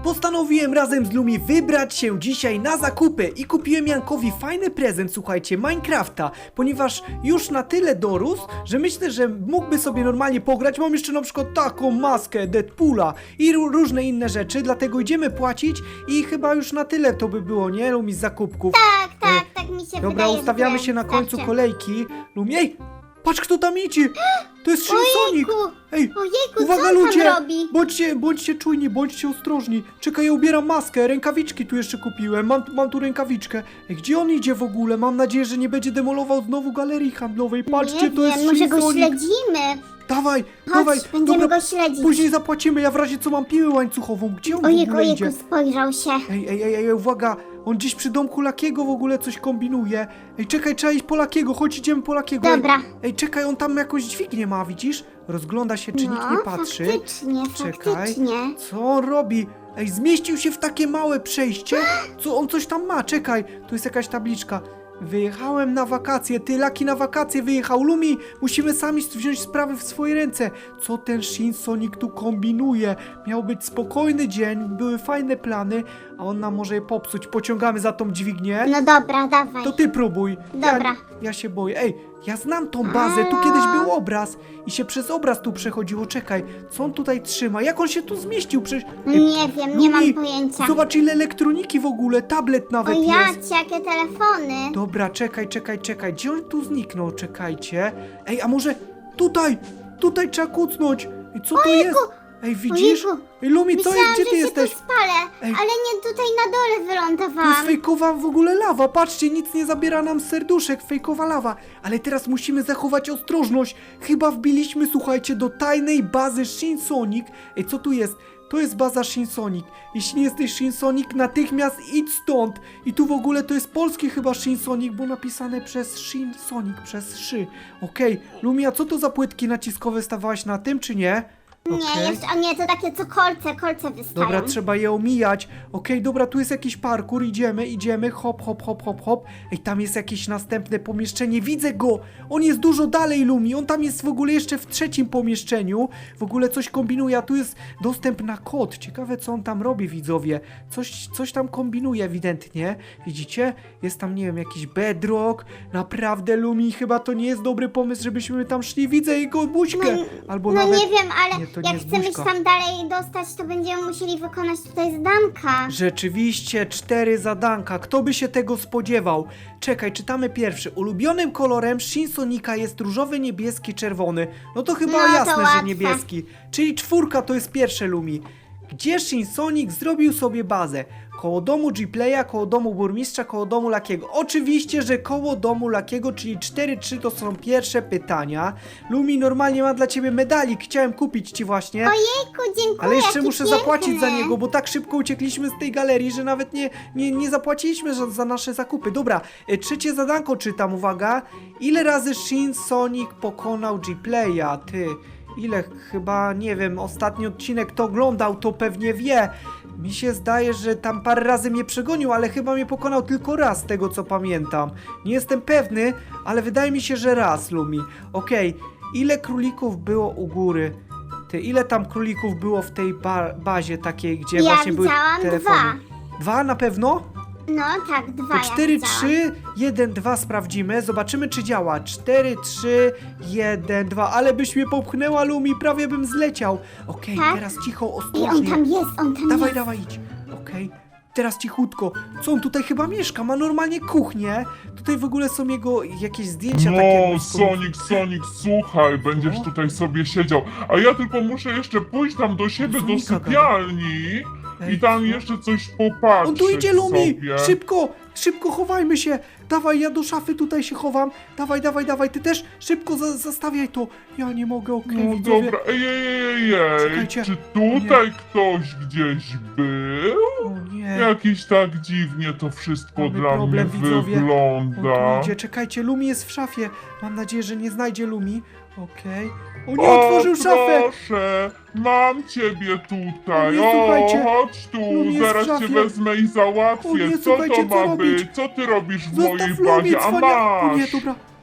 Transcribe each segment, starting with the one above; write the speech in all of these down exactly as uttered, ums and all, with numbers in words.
Postanowiłem razem z Lumi wybrać się dzisiaj na zakupy i kupiłem Jankowi fajny prezent, słuchajcie, Minecrafta, ponieważ już na tyle dorósł, że myślę, że mógłby sobie normalnie pograć. Mam jeszcze na przykład taką maskę Deadpoola i różne inne rzeczy, dlatego idziemy płacić i chyba już na tyle to by było, nie, Lumi, z zakupków. Tak, tak, E, tak mi się Dobra, wydaje, ustawiamy że się na końcu wystarczy. kolejki. Lumi, ej, patrz kto tam idzie! To jest Shin Sonic! Ojejku, Ej, ojejku, uwaga co on ludzie! tam robi? Bądźcie, bądźcie czujni, bądźcie ostrożni. Czekaj, ja ubieram maskę, rękawiczki tu jeszcze kupiłem. Mam, mam tu rękawiczkę. Ej, gdzie on idzie w ogóle? Mam nadzieję, że nie będzie demolował znowu galerii handlowej. Patrzcie, Nie to jest wiem, może Shin go Sonic. śledzimy. Dawaj, Chodź, dawaj. będziemy Dobra, go śledzić. później zapłacimy. Ja w razie co mam piłę łańcuchową. Gdzie on w Ojejku, ogóle idzie? ojejku, spojrzał się. Ej, ej, ej, ej, uwaga, on gdzieś przy domku Lakiego w ogóle coś kombinuje. Ej, czekaj, trzeba iść po Lakiego, chodź, idziemy po Lakiego. Dobra. Ej, ej, czekaj, on tam jakąś dźwignię ma, widzisz? Rozgląda się, czy no, nikt nie patrzy. faktycznie, Czekaj, faktycznie. co on robi? Ej, zmieścił się w takie małe przejście? Co on coś tam ma? Czekaj, tu jest jakaś tabliczka. Wyjechałem na wakacje, ty Laki na wakacje wyjechał. Lumi, musimy sami wziąć sprawy w swoje ręce. Co ten Shin Sonic tu kombinuje? Miał być spokojny dzień, były fajne plany, a on nam może je popsuć. Pociągamy za tą dźwignię. No dobra, dawaj. To ty próbuj. Dobra. Ja, ja się boję. Ej, ja znam tą bazę, tu kiedyś był obraz i się przez obraz tu przechodziło. Czekaj, co on tutaj trzyma? Jak on się tu zmieścił? Przecież... Ej, Nie wiem, nie mam Lumi, pojęcia. Zobacz ile elektroniki w ogóle, tablet O nawet jest. jacie, jakie telefony. Dobra, czekaj, czekaj, czekaj. Gdzie on tu zniknął? Czekajcie. Ej, a może tutaj? Tutaj trzeba kucnąć. Ej, co to jest? Ej, widzisz? Ojejku. Ej, Lumi, co Myślałam, jest? Gdzie że ty się jesteś? tu spalę, Ej. ale nie tutaj na dole To jest wylądowałam. fejkowa w ogóle lawa, patrzcie, nic nie zabiera nam serduszek, fejkowa lawa. Ale teraz musimy zachować ostrożność. Chyba wbiliśmy, słuchajcie, do tajnej bazy Shin Sonic. Ej, co tu jest? To jest baza Shin Sonic. Jeśli nie jesteś Shin Sonic, natychmiast idź stąd. I tu w ogóle to jest polski chyba Shin Sonic, bo napisane przez Shin Sonic, przez szy. Okej, Lumia, co to za płytki naciskowe stawałaś na tym, czy nie? Nie, Okej. jeszcze, a nie, to takie co kolce, kolce wystają. Dobra, trzeba je omijać. Okej, dobra, tu jest jakiś parkour, idziemy, idziemy, hop, hop, hop, hop, hop. Ej, tam jest jakieś następne pomieszczenie, widzę go! On jest dużo dalej, Lumi, on tam jest w ogóle jeszcze w trzecim pomieszczeniu. W ogóle coś kombinuje, a tu jest dostęp na kod. Ciekawe, co on tam robi, widzowie. Coś, coś tam kombinuje ewidentnie. Widzicie? Jest tam, nie wiem, jakiś bedrock. Naprawdę, Lumi, chyba to nie jest dobry pomysł, żebyśmy tam szli. Widzę jego buźkę. No, Albo no nawet... nie wiem, ale Nie, to nie jak jest chcemy się buźka. tam dalej dostać, to będziemy musieli wykonać tutaj zadanka. Rzeczywiście, cztery zadanka. Kto by się tego spodziewał? Czekaj, czytamy pierwszy. Ulubionym kolorem Shin Sonika jest różowy, niebieski, czerwony. No to chyba No, to jasne, że łatwe. niebieski. Czyli czwórka to jest pierwsze, Lumi. Gdzie Shin Sonic zrobił sobie bazę? Koło domu G-Playa, koło domu burmistrza, koło domu Lakiego. Oczywiście, że koło domu Lakiego, czyli cztery trzy to są pierwsze pytania. Lumi, normalnie mam dla ciebie medalik. Chciałem kupić ci właśnie. Ojejku, dziękuję. Ale jeszcze jaki muszę piękny. zapłacić za niego, bo tak szybko uciekliśmy z tej galerii, że nawet nie, nie, nie zapłaciliśmy za, za nasze zakupy. Dobra, e, trzecie zadanko czytam, uwaga. Ile razy Shin Sonic pokonał G-Playa? Ty, ile? Chyba, nie wiem, ostatni odcinek kto oglądał, to pewnie wie. Mi się zdaje, że tam parę razy mnie przegonił, ale chyba mnie pokonał tylko raz, z tego co pamiętam. Nie jestem pewny, ale wydaje mi się, że raz, Lumi. Okej, ile królików było u góry? Ty, ile tam królików było w tej ba bazie takiej, gdzie Ja właśnie były widziałam telefony? dwa. Dwa na pewno? No tak, dwa To ja cztery, widziałam. trzy, jeden, dwa sprawdzimy, zobaczymy czy działa. cztery, trzy, jeden, dwa, ale byś mnie popchnęła, Lumi, prawie bym zleciał. Okej, Tak? teraz cicho, Ej, ostrożnie. on tam jest, on tam Dawaj, jest. dawaj, idź. Okej. Teraz cichutko. Co on tutaj chyba mieszka? Ma normalnie kuchnię. Tutaj w ogóle są jego jakieś zdjęcia takie. No, Sonic, Sonic, słuchaj, będziesz Co? tutaj sobie siedział. A ja tylko muszę jeszcze pójść tam do siebie, do Sonika gada. sypialni Ej, i tam co? jeszcze coś popatrzeć On tu idzie, Lumi! sobie. Szybko! Szybko chowajmy się! Dawaj, ja do szafy tutaj się chowam. Dawaj, dawaj, dawaj, ty też szybko za zastawiaj to. Ja nie mogę, okej, No widzowie. dobra, ej, ej, ej, ej, Czekajcie. czy tutaj ktoś gdzieś był? O nie. Jakiś tak dziwnie to wszystko Mamy dla problem, mnie widzowie. On wygląda. tu idzie, czekajcie, Lumi jest w szafie. Mam nadzieję, że nie znajdzie Lumi. Okej. O nie, O, otworzył szafę! proszę, mam ciebie tutaj. O nie, słuchajcie, O, chodź tu, Lumi jest w zaraz cię szafie. wezmę i załatwię. O nie, co słuchajcie, to co ma robić? być? Co ty robisz w Zostaw mojej Lumi, bazie? A cwania... O nie, masz! dobra.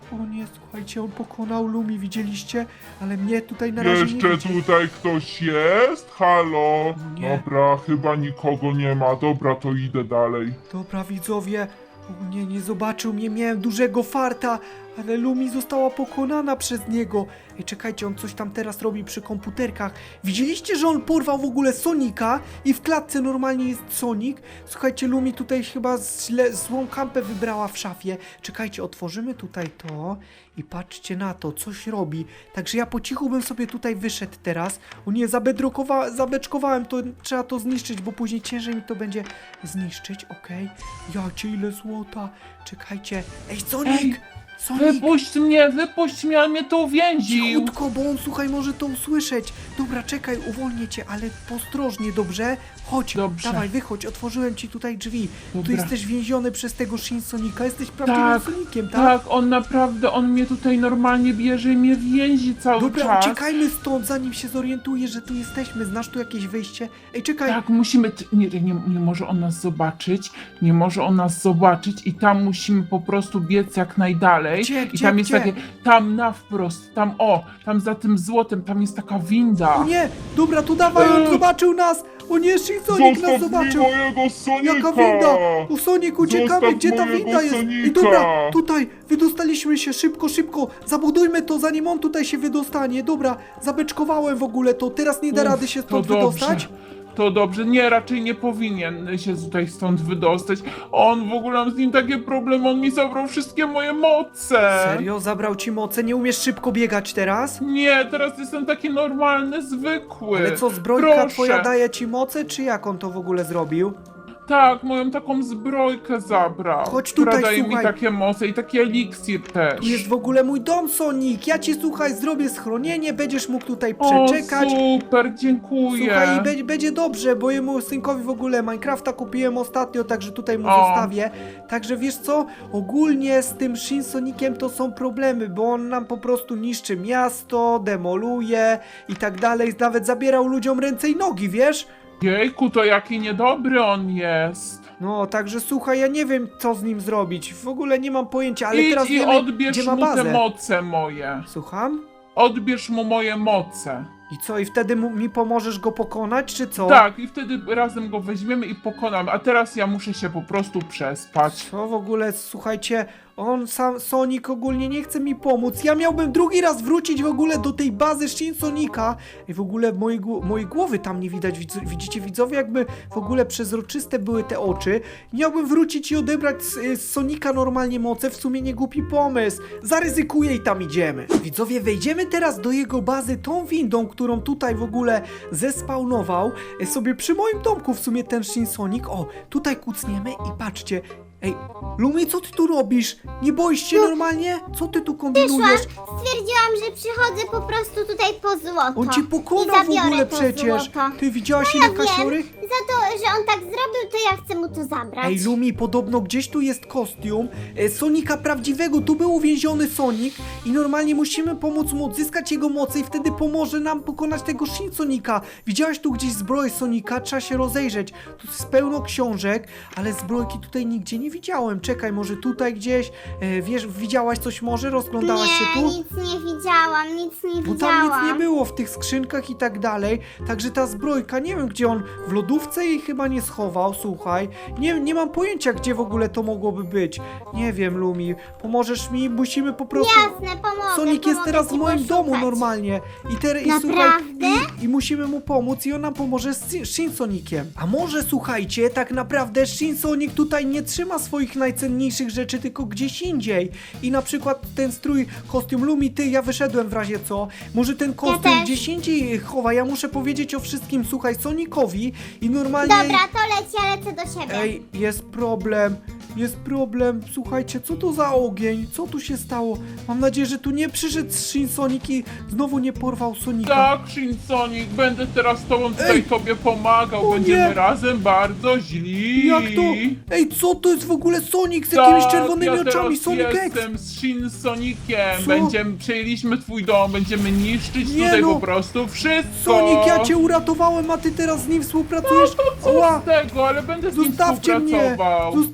O nie, słuchajcie, on pokonał Lumi, widzieliście? Ale mnie tutaj na razie nie Jeszcze widzi. tutaj ktoś jest? Halo? Nie. Dobra, chyba nikogo nie ma. Dobra, to idę dalej. Dobra, widzowie. O nie, nie zobaczył mnie, miałem dużego farta, ale Lumi została pokonana przez niego. Ej, czekajcie, on coś tam teraz robi przy komputerkach. Widzieliście, że on porwał w ogóle Sonika i w klatce normalnie jest Sonic? Słuchajcie, Lumi tutaj chyba źle, złą kampę wybrała w szafie. Czekajcie, otworzymy tutaj to i patrzcie na to, coś robi. Także ja po cichu bym sobie tutaj wyszedł teraz. O nie, zabedrokowa- zabeczkowałem to, trzeba to zniszczyć, bo później ciężej mi to będzie zniszczyć, okej. Jacie, ile złota. Czekajcie. Ej, Sonic! Ej, Sonic! Wypuść mnie, wypuść mnie, on mnie tu uwięził. Cichutko, bo on, słuchaj, może to usłyszeć. Dobra, czekaj, uwolnię cię, ale ostrożnie, dobrze? Chodź, Dobrze. dawaj, wychodź, otworzyłem ci tutaj drzwi. Tu Dobra. jesteś więziony przez tego Shin Sonika, jesteś prawdziwym Tak, Sonikiem, tak? Tak, on naprawdę, on mnie tutaj normalnie bierze i mnie więzi cały Dobra, czas. uciekajmy stąd, zanim się zorientuje, że tu jesteśmy. Znasz tu jakieś wyjście? Ej, czekaj. Tak, musimy, t- nie, nie, nie może on nas zobaczyć, nie może on nas zobaczyć i tam musimy po prostu biec jak najdalej. Gdzie, I gdzie, tam jest gdzie? takie, tam na wprost, tam o, tam za tym złotem, tam jest taka winda. O nie, dobra, tu dawaj, on Eee. zobaczył nas. O nie, Shin Sonic nas Zostaw mi zobaczył. mojego Sonika! Jaka winda? O Sonic, uciekamy, Zostaw gdzie ta mojego winda jest? I Sonika. dobra, tutaj, wydostaliśmy się, szybko, szybko, zabudujmy to, zanim on tutaj się wydostanie. Dobra, zabeczkowałem w ogóle to, teraz nie da Uff, rady się to stąd dobrze. wydostać? To dobrze, nie, raczej nie powinien się tutaj stąd wydostać. On w ogóle mam z nim takie problemy, on mi zabrał wszystkie moje moce. Serio? Zabrał ci moce? Nie umiesz szybko biegać teraz? Nie, teraz jestem taki normalny, zwykły. Ale co, zbrojka Proszę. twoja daje ci moce, czy jak on to w ogóle zrobił? Tak, moją taką zbrojkę zabrał. Chodź która tutaj, daje słuchaj. mi takie moce i taki eliksir też. Tu jest w ogóle mój dom, Sonic. Ja ci, słuchaj, zrobię schronienie, będziesz mógł tutaj O, przeczekać. super, dziękuję. Słuchaj, i będzie, będzie dobrze, bo jemu synkowi w ogóle Minecrafta kupiłem ostatnio, także tutaj mu O. zostawię. Także wiesz co, ogólnie z tym Shin Soniciem to są problemy, bo on nam po prostu niszczy miasto, demoluje i tak dalej. Nawet zabierał ludziom ręce i nogi, wiesz? Jejku, to jaki niedobry on jest. No, także słuchaj, ja nie wiem co z nim zrobić. W ogóle nie mam pojęcia, ale Idź teraz i wiemy, odbierz gdzie ma mu te bazę. moce moje. Słucham? Odbierz mu moje moce. I co, i wtedy mu, mi pomożesz go pokonać, czy co? Tak, i wtedy razem go weźmiemy i pokonamy. A teraz ja muszę się po prostu przespać. Co w ogóle, słuchajcie, on sam, Sonic ogólnie nie chce mi pomóc. Ja miałbym drugi raz wrócić w ogóle do tej bazy Shin Sonika i w ogóle mojej, gł- mojej głowy tam nie widać. Widz, widzicie widzowie, jakby w ogóle przezroczyste były te oczy. Miałbym wrócić i odebrać z, z Sonika normalnie moce, w sumie nie głupi pomysł. Zaryzykuję i tam idziemy. Widzowie, wejdziemy teraz do jego bazy tą windą, którą tutaj w ogóle zespawnował e, sobie przy moim domku w sumie ten Shin Sonic. O, tutaj kucniemy i patrzcie. Ej, Lumi, co ty tu robisz? Nie boisz się normalnie? Co ty tu kombinujesz? Stwierdziłam, że przychodzę po prostu tutaj po złoto. On cię I pokonał w zabiorę ogóle to przecież. złoto. Ty widziałaś Ja ile wiem, kasiory? za to, że on tak zrobił, to ja chcę mu to zabrać. Ej, Lumi, podobno gdzieś tu jest kostium e, Sonika prawdziwego, tu był uwięziony Sonic i normalnie musimy pomóc mu odzyskać jego moce i wtedy pomoże nam pokonać tego Shin Sonika. Widziałaś tu gdzieś zbroję Sonika? Trzeba się rozejrzeć. Tu jest pełno książek, ale zbrojki tutaj nigdzie nie widziałem. Czekaj, może tutaj gdzieś, e, wiesz, widziałaś coś może? Rozglądałaś się Nie, tu? nic nie widziałam, nic nie Bo widziałam. tam nic nie było w tych skrzynkach i tak dalej. Także ta zbrojka, nie wiem gdzie on, w lodówce jej chyba nie schował, słuchaj. Nie, nie mam pojęcia gdzie w ogóle to mogłoby być. Nie wiem, Lumi, pomożesz mi? Musimy po prostu... Jasne, pomogę, Sonic jest pomogę teraz w ci moim poszukać. domu normalnie. I, ter, i słuchaj, Naprawdę? i, i musimy mu pomóc i on nam pomoże z Shin- Shin Soniciem. A może słuchajcie, tak naprawdę Shin Sonic tutaj nie trzyma swoich najcenniejszych rzeczy, tylko gdzieś indziej. I na przykład ten strój, kostium Lumi, ty, ja wyszedłem w razie co. Może ten kostium też. gdzieś indziej chowa. Ja muszę powiedzieć o wszystkim, słuchaj, Sonicowi i normalnie... Dobra, to leć, ja lecę do siebie. Ej, jest problem, jest problem, słuchajcie, co to za ogień, co tu się stało? Mam nadzieję, że tu nie przyszedł Shin Sonic i znowu nie porwał Sonika. Tak, Shin Sonic, będę teraz z tobą tutaj Ej! tobie pomagał. O Będziemy nie! razem bardzo źli. Jak to? Ej, co to jest w ogóle Sonic z jakimiś Tak, czerwonymi ja oczami, teraz Sonic X? jestem z Shin Soniciem. Co? Będziemy, przejęliśmy twój dom, będziemy niszczyć Nie tutaj no. po prostu wszystko. Sonic, ja cię uratowałem, a ty teraz z nim współpracujesz? Co Ała! z tego, ale będę z nim Zostawcie mnie! współpracował. Zostawcie mnie,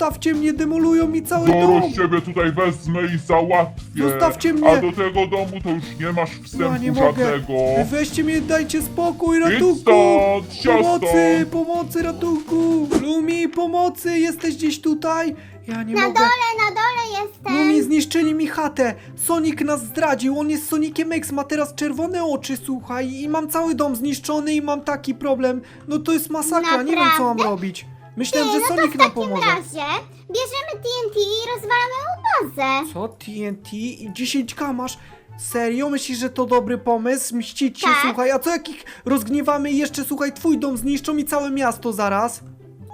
mnie, demolują mi cały Zaraz dom. ciebie tutaj wezmę i załatwię. Zostawcie mnie. A do tego domu to już nie masz wstępu Ja nie mogę. żadnego. Weźcie mnie, dajcie spokój, Idź ratunku. stąd, siostro. Pomocy, pomocy, ratunku. Lumi, pomocy, jesteś gdzieś tutaj? Ja nie Na mogę. dole, na dole jestem. Lumi, zniszczyli mi chatę. Sonic nas zdradził, on jest Soniciem X, ma teraz czerwone oczy, słuchaj. I mam cały dom zniszczony i mam taki problem. No to jest masakra, nie wiem co mam Naprawdę? robić. Myślałem, Ty, że no to Sonic w nam takim pomoże. razie bierzemy T N T i rozwalamy mu bazę. Co? T N T i dziesięć K masz? Serio? Myślisz, że to dobry pomysł? Mścić się, Tak. słuchaj. A co jak ich rozgniewamy i jeszcze, słuchaj, twój dom zniszczą i całe miasto zaraz?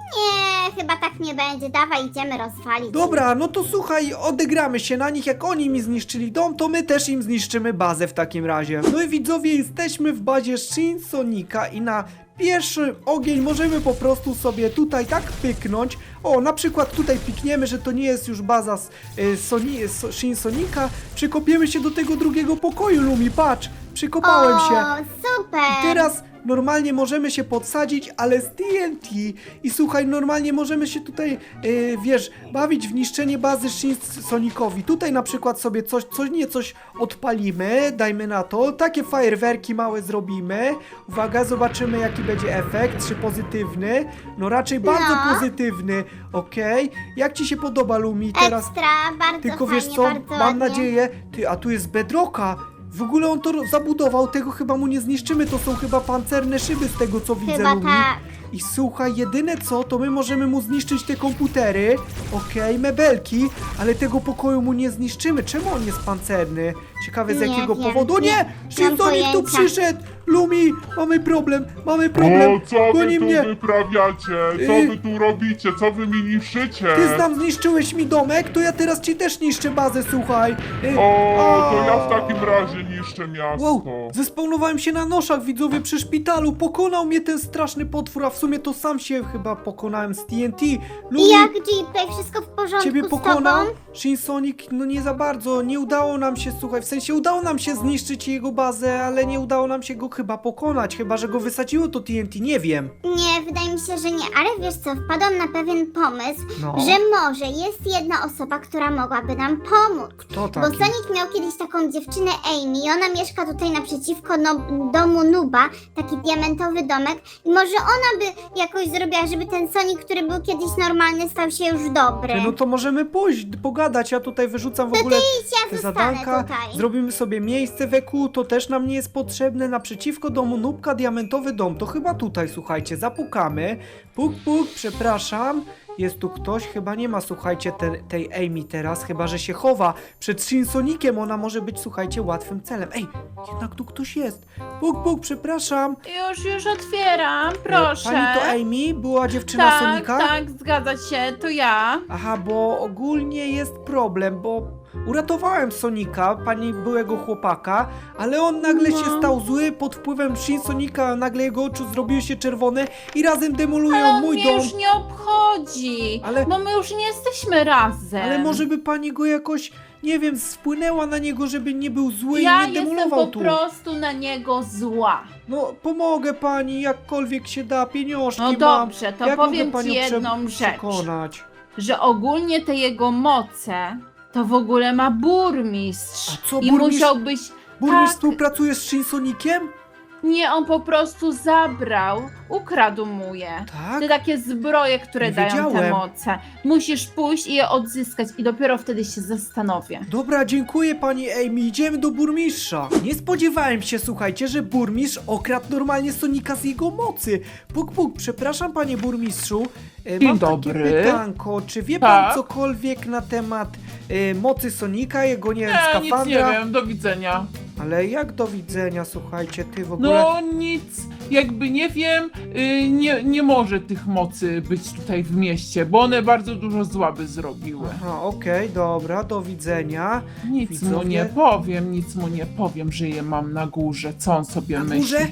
Nie, chyba tak nie będzie. Dawaj, idziemy rozwalić. Dobra, no to słuchaj, odegramy się na nich. Jak oni mi zniszczyli dom, to my też im zniszczymy bazę w takim razie. No i widzowie, jesteśmy w bazie Shin Sonika i na pierwszy ogień możemy po prostu sobie tutaj tak pyknąć. O, na przykład tutaj pikniemy, że to nie jest już baza z, y, Soni, so, Shin Sonika. Przykopiemy się do tego drugiego pokoju, Lumi, patrz. Przykopałem o, się. super. I teraz normalnie możemy się podsadzić, ale z T N T. I słuchaj, normalnie możemy się tutaj, yy, wiesz, bawić w niszczenie bazy Shin Sonicowi. Tutaj na przykład sobie coś, coś nie coś odpalimy, dajmy na to. Takie fajerwerki małe zrobimy. Uwaga, zobaczymy jaki będzie efekt, czy pozytywny. No raczej bardzo No. pozytywny, okej. Jak ci się podoba, Lumi, teraz? Ekstra, bardzo Tylko fajnie, wiesz co, bardzo mam ładnie. nadzieję, ty, a tu jest bedrocka. W ogóle on to ro- zabudował, tego chyba mu nie zniszczymy, to są chyba pancerne szyby z tego co widzę, Chyba Lumi. tak. I słuchaj, jedyne co, to my możemy mu zniszczyć te komputery, okej, mebelki, ale tego pokoju mu nie zniszczymy. Czemu on jest pancerny? Ciekawe z Nie jakiego wiem, powodu. O nie- nie! nie mam Shinsonik tu pojęcia. przyszedł! Lumi, mamy problem, mamy problem. O, co wy Goni tu mnie. wyprawiacie? Co Y- wy tu robicie? Co wy mi niszczycie? Ty nam zniszczyłeś mi domek, to ja teraz ci też niszczę bazę, słuchaj. Y, O, to a. ja w takim razie niszczę miasto. Wow, zespawnowałem się na noszach, widzowie, przy szpitalu. Pokonał mnie ten straszny potwór, a w sumie to sam się chyba pokonałem z T N T. Lumi, I jak G-Play, wszystko w porządku ciebie z pokonał? tobą? Shin Sonic, no nie za bardzo. Nie udało nam się, słuchaj, w sensie udało nam się zniszczyć jego bazę, ale nie udało nam się go chyba pokonać. Chyba, że go wysadziło to T N T, nie wiem. Nie, wydaje mi się, że nie, ale wiesz co, wpadłam na pewien pomysł, No. że może jest jedna osoba, która mogłaby nam pomóc. Kto Bo taki? Sonic miał kiedyś taką dziewczynę Amy i ona mieszka tutaj naprzeciwko no, domu Nuba, taki diamentowy domek i może ona by jakoś zrobiła, żeby ten Sonic, który był kiedyś normalny, stał się już dobry. No to możemy pójść, pogadać. Ja tutaj wyrzucam w To ogóle ty idź, ja te zostanę zadanka. tutaj. Zrobimy sobie miejsce w E Q, to też nam nie jest potrzebne. Naprzeciwko domu Nubka, diamentowy dom. To chyba tutaj, słuchajcie, zapukamy. Puk, puk, przepraszam. Jest tu ktoś? Chyba nie ma, słuchajcie, te, tej Amy teraz, chyba że się chowa. Przed Shinsonikiem ona może być, słuchajcie, łatwym celem. Ej, jednak tu ktoś jest. Puk, puk, przepraszam. Już, już otwieram, E, proszę. Pani to Amy? Była dziewczyna tak, Sonika? tak, zgadza się, to ja. Aha, bo ogólnie jest problem, bo uratowałem Sonika, pani byłego chłopaka, ale on nagle No. się stał zły pod wpływem Shin Sonika, nagle jego oczy zrobiły się czerwone i razem demolują Ale on mój mnie dom. już nie obchodzi, Ale- bo my już nie jesteśmy razem. Ale może by pani go jakoś, nie wiem, wpłynęła na niego, żeby nie był zły ja i nie jestem demolował po tu. prostu na niego zła. No, pomogę pani, jakkolwiek się da, pieniążki No mam. dobrze, to Jak powiem mogę ci panią prze- jedną rzecz. przekonać? Że ogólnie te jego moce to w ogóle ma burmistrz. A co, I burmistrz- musiałbyś... Burmistrz tak, współpracuje z Shin Sonikiem? nie, on po prostu zabrał, ukradł mu je. Tak? Te takie zbroje, które Nie dają te wiedziałem. moce. Musisz pójść i je odzyskać i dopiero wtedy się zastanowię. Dobra, dziękuję pani Amy, idziemy do burmistrza. Nie spodziewałem się, słuchajcie, że burmistrz okradł normalnie Sonika z jego mocy. Puk, puk, przepraszam panie burmistrzu. E, Dzień Mam dobry. takie pytanko, czy wie pan Tak? cokolwiek na temat e, mocy Sonika, jego, nie wiem, Nie, nic nie skafandra? wiem, do widzenia. Ale jak do widzenia, słuchajcie, ty w ogóle... No nic, jakby nie wiem, y, nie, nie może tych mocy być tutaj w mieście, bo one bardzo dużo zła by zrobiły. Aha, okej, dobra, do widzenia. Nic mu Widzowie? nie powiem, nic mu nie powiem, że je mam na górze, co on sobie Na myśli. górze?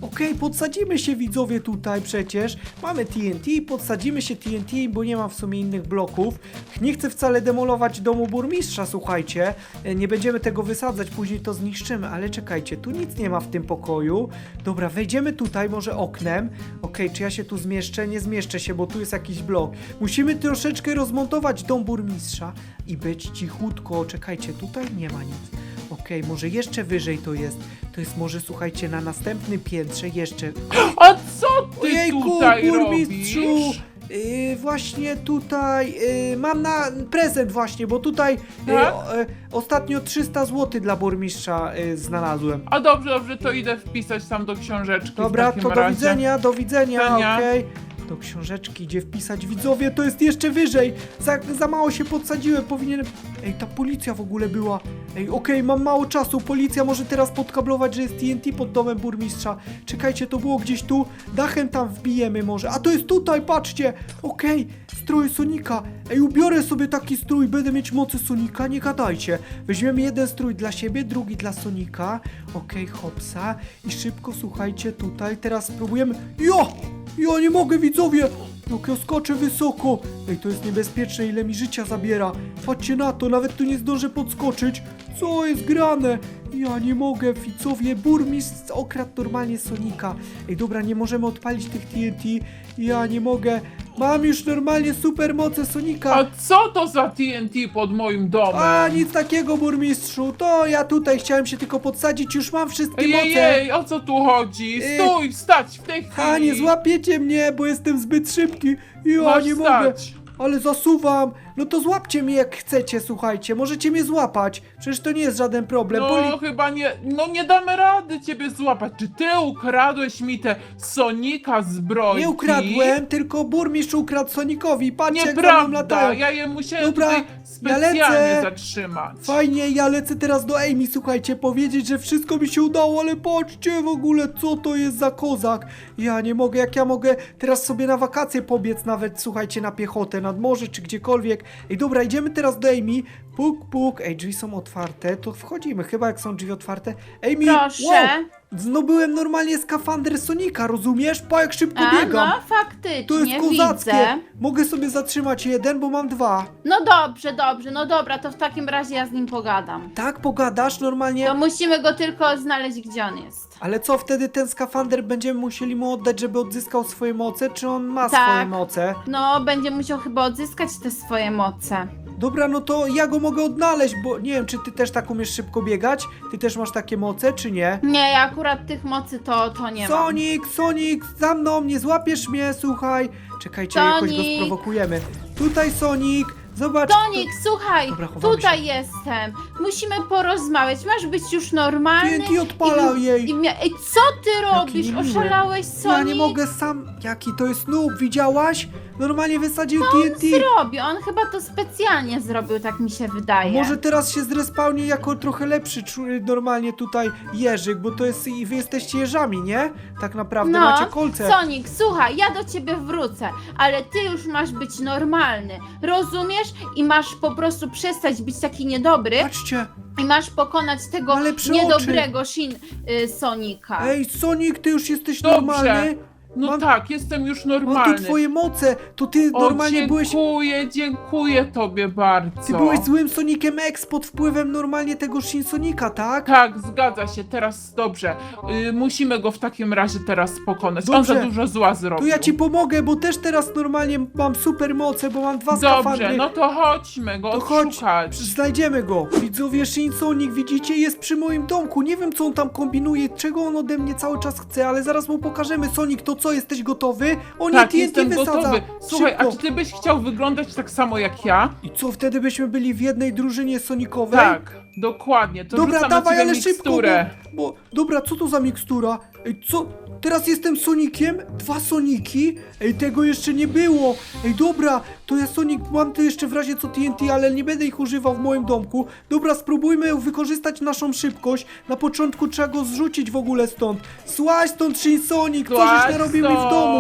Okej, podsadzimy się widzowie tutaj przecież. Mamy T N T, podsadzimy się T N T, bo nie mam w sumie innych bloków. Nie chcę wcale demolować domu burmistrza, słuchajcie. E, Nie będziemy tego wysadzać, później to zniszczymy, ale czekajcie, tu nic nie ma w tym pokoju. Dobra, wejdziemy tutaj może oknem. Okej, czy ja się tu zmieszczę? Nie zmieszczę się, bo tu jest jakiś blok. Musimy troszeczkę rozmontować dom burmistrza i być cichutko. Czekajcie, tutaj nie ma nic. Okej, może jeszcze wyżej to jest. To jest może, słuchajcie, na następnym piętrze jeszcze. A co ty Ojejku, tutaj burmistrzu! robisz? Yy, właśnie tutaj yy, mam na prezent właśnie, bo tutaj yy, Tak? o, yy, ostatnio trzysta złotych dla burmistrza yy, znalazłem. A dobrze, dobrze, to idę wpisać tam do książeczki. Dobra, w takim to do razie. widzenia, do widzenia, Widzenia. okej. Do książeczki idzie wpisać widzowie, to jest jeszcze wyżej. Za, za mało się podsadziłem, powinienem... Ej, ta policja w ogóle była. Ej, okej, mam mało czasu, policja może teraz podkablować, że jest T N T pod domem burmistrza. Czekajcie, to było gdzieś tu, dachem tam wbijemy może. A to jest tutaj, patrzcie. Okej, strój Sonika. Ej, ubiorę sobie taki strój, będę mieć mocy Sonika, nie gadajcie. Weźmiemy jeden strój dla siebie, drugi dla Sonika. Okej, hopsa. I szybko, słuchajcie, tutaj, teraz spróbujemy... Jo! Ja nie mogę, widzowie! Jak ja skoczę wysoko! Ej, to jest niebezpieczne, ile mi życia zabiera. Patrzcie na to, nawet tu nie zdążę podskoczyć. Co jest grane? Ja nie mogę, widzowie, burmistrz okradł normalnie Sonika. Ej, dobra, nie możemy odpalić tych T N T. Ja nie mogę. Mam już normalnie supermoce Sonika. A co to za T N T pod moim domem? A, nic takiego, burmistrzu. To ja tutaj chciałem się tylko podsadzić, już mam wszystkie moce. Ej, o co tu chodzi? Ej. Stój, wstać w tej chwili! A, nie złapiecie mnie, bo jestem zbyt szybki. Ja Masz nie mogę. wstać. Ale zasuwam. No to złapcie mnie jak chcecie, słuchajcie. Możecie mnie złapać. Przecież to nie jest żaden problem. No Poli- chyba nie, no nie damy rady ciebie złapać. Czy ty ukradłeś mi te Sonika zbrojki? Nie ukradłem, tylko burmistrz ukradł Sonikowi. Patrzcie, jak za mną Nieprawda, latają. ja je musiałem Dobra, tutaj ja specjalnie lecę. zatrzymać. Fajnie, ja lecę teraz do Amy, słuchajcie, powiedzieć, że wszystko mi się udało, ale patrzcie w ogóle, co to jest za kozak. Ja nie mogę, jak ja mogę teraz sobie na wakacje pobiec nawet, słuchajcie, na piechotę, nad morze czy gdziekolwiek. Ej, dobra, idziemy teraz do Amy. Puk, puk. Ej, drzwi są otwarte, to wchodzimy, chyba jak są drzwi otwarte. Amy, Proszę. wow, zdobyłem normalnie skafander Sonika, rozumiesz? Pa, jak szybko A, biegam. no To jest faktycznie, kozackie. widzę. Mogę sobie zatrzymać jeden, bo mam dwa. No dobrze, dobrze, no dobra, to w takim razie ja z nim pogadam. Tak, pogadasz normalnie? To musimy go tylko znaleźć, gdzie on jest. Ale co, wtedy ten skafander będziemy musieli mu oddać, żeby odzyskał swoje moce, czy on ma Tak. swoje moce? No, będzie musiał chyba odzyskać te swoje moce. Dobra, no to ja go mogę odnaleźć, bo nie wiem, czy ty też tak umiesz szybko biegać? Ty też masz takie moce, czy nie? Nie, ja akurat tych mocy to, to nie mam. Sonic, Sonic, za mną, nie złapiesz mnie, słuchaj. Czekajcie, jakoś go Sonic. sprowokujemy. Tutaj Sonic, zobacz. Tonik, słuchaj, Dobra, chowamy tutaj się. jestem. Musimy porozmawiać. Masz być już normalny. T N T odpala i, jej. I mia- Ej, co ty robisz? niemiły. Oszalałeś, Sonic? Ja nie mogę sam. Jaki to jest noob, widziałaś? Normalnie wysadził T N T. Robi, on chyba to specjalnie zrobił, tak mi się wydaje. Może teraz się zrespawni jako trochę lepszy czu- normalnie tutaj jeżyk, bo to jest i wy jesteście jeżami, nie? Tak naprawdę No, macie kolce. Sonic, słuchaj, ja do ciebie wrócę, ale ty już masz być normalny, rozumiesz? I masz po prostu przestać być taki niedobry Patrzcie, i masz pokonać tego Ma lepsze niedobrego Shin y, Sonika. ej Sonic, ty już jesteś Dobrze. normalny? No Mam- tak, jestem już Mam normalny. tu twoje moce, to ty O, normalnie byłeś... dziękuję, dziękuję tobie bardzo. Ty byłeś złym Sonicem X pod wpływem normalnie tego Shin Sonika, tak? Tak, zgadza się, teraz dobrze. Y, musimy go w takim razie teraz pokonać. On Dobrze. za dużo zła zrobił. To ja ci pomogę, bo też teraz normalnie mam super moce, bo mam dwa Dobrze, skafandry. no to chodźmy go To chodź, odszukać. znajdziemy go. Widzowie, Shin Sonic, widzicie, jest przy moim domku. Nie wiem, co on tam kombinuje, czego on ode mnie cały czas chce, ale zaraz mu pokażemy. Sonic, to co, jesteś gotowy? O nie, Tak, T N T jestem wysadza. gotowy. Słuchaj, Szybko. a czy ty byś chciał wyglądać tak samo jak ja? I co, wtedy byśmy byli w jednej drużynie Sonicowej? Tak, dokładnie. To Dobra, rzucam dawaj, na ciebie ale szybko, miksturę. bo, bo... Dobra, co to za mikstura? Ej, co? Teraz jestem Soniciem? Dwa Soniki? Ej, tego jeszcze nie było. Ej, dobra, to ja Sonic, mam tu jeszcze w razie co T N T, ale nie będę ich używał w moim domku. Dobra, spróbujmy wykorzystać naszą szybkość. Na początku trzeba go zrzucić w ogóle stąd. Słaź stąd, Shin Sonic, co żeś Złaź narobili w stąd. domu?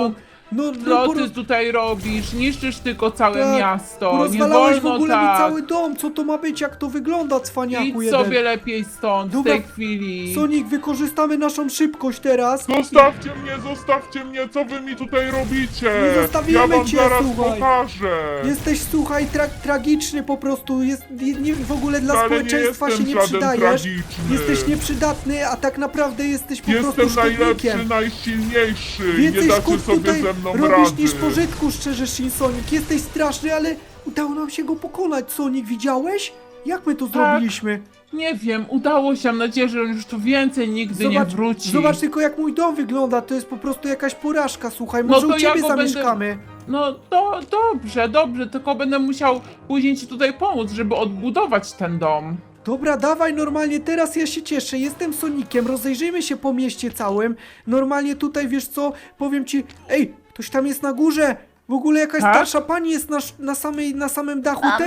No, Co no ty tutaj robisz? Niszczysz tylko całe Tak, miasto. Nie rozwalałeś w wolno ogóle mi tak. cały dom, co to ma być, jak to wygląda, cwaniaku Idź jeden. sobie lepiej stąd Dobra, w tej chwili. Sonic, wykorzystamy naszą szybkość teraz. Zostawcie mnie, zostawcie mnie, co wy mi tutaj robicie? Nie zostawimy ja wam cię, zaraz słuchaj. pokażę. Jesteś, słuchaj, tra tragiczny po prostu, jest, nie, nie, w ogóle dla Ale społeczeństwa nie się jestem nie żaden przydajesz. tragiczny. Jesteś nieprzydatny, a tak naprawdę jesteś po Jestem prostu najlepszy, szkodnikiem. najsilniejszy. nie Więcej dacie szkód sobie tutaj ze mną robisz rady. niż pożytku, szczerze, Shin Sonic. Jesteś straszny, ale udało nam się go pokonać, Sonic, widziałeś? Jak my to Tak. zrobiliśmy? Nie wiem, udało się. Mam nadzieję, że on już tu więcej nigdy nie wróci. zobacz tylko jak mój dom wygląda, to jest po prostu jakaś porażka, słuchaj, No może to u ja ciebie go będę- zamieszkamy. No to dobrze, dobrze, tylko będę musiał później ci tutaj pomóc, żeby odbudować ten dom. Dobra, dawaj normalnie, teraz ja się cieszę, jestem Soniciem, rozejrzyjmy się po mieście całym. Normalnie tutaj, wiesz co, powiem ci, ej, ktoś tam jest na górze, w ogóle jakaś Tak? starsza pani jest na, sz- na, samej, na samym dachu tego.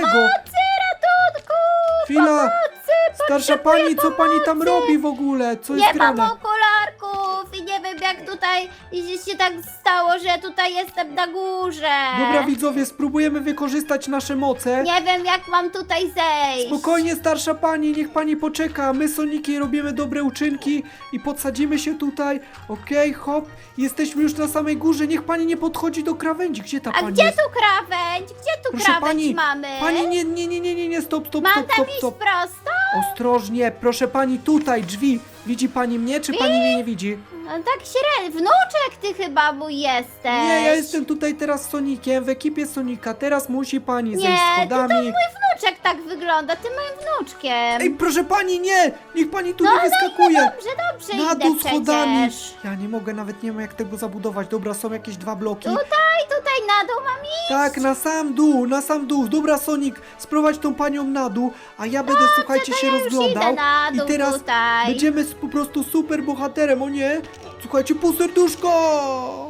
Ratunku! Chwila, starsza pani, co pani tam robi w ogóle, co jest Nie mam grane? okularków i nie wiem jak tutaj się tak stało, że tutaj jestem na górze. Dobra widzowie, spróbujemy wykorzystać nasze moce. Nie wiem jak mam tutaj zejść. Spokojnie, starsza pani, niech pani poczeka. My, Soniki, robimy dobre uczynki i podsadzimy się tutaj. Okej, hop, jesteśmy już na samej górze. Niech pani nie podchodzi do krawędzi. Gdzie ta A pani gdzie jest? tu krawędź? Gdzie tu Proszę krawędź pani, mamy? pani, nie, nie, nie, nie, nie, nie, stop, stop, Mam stop, tam stop, iść stop. prosto? Ostrożnie, proszę pani, tutaj, drzwi. Widzi pani mnie, czy pani mnie nie widzi? No, tak średnio. Wnuczek ty chyba mój jesteś. Nie, ja jestem tutaj teraz Sonikiem, w ekipie Sonika. Teraz musi pani Nie, zejść to schodami. Wnuczek tak wygląda, ty moim wnuczkiem. Ej, proszę pani, nie! Niech pani tu no, nie wyskakuje! Dobrze, dobrze Na idę dół schodami! przecież. Ja nie mogę, nawet nie wiem jak tego zabudować. Dobra, są jakieś dwa bloki. Tutaj, tutaj na dół mam iść. Tak, na sam dół, na sam dół. Dobra, Sonic, sprowadź tą panią na dół, a ja będę, słuchajcie, się Ja już rozglądał. idę na dół I teraz tutaj. będziemy s- po prostu super bohaterem, o nie? Słuchajcie, pół serduszko!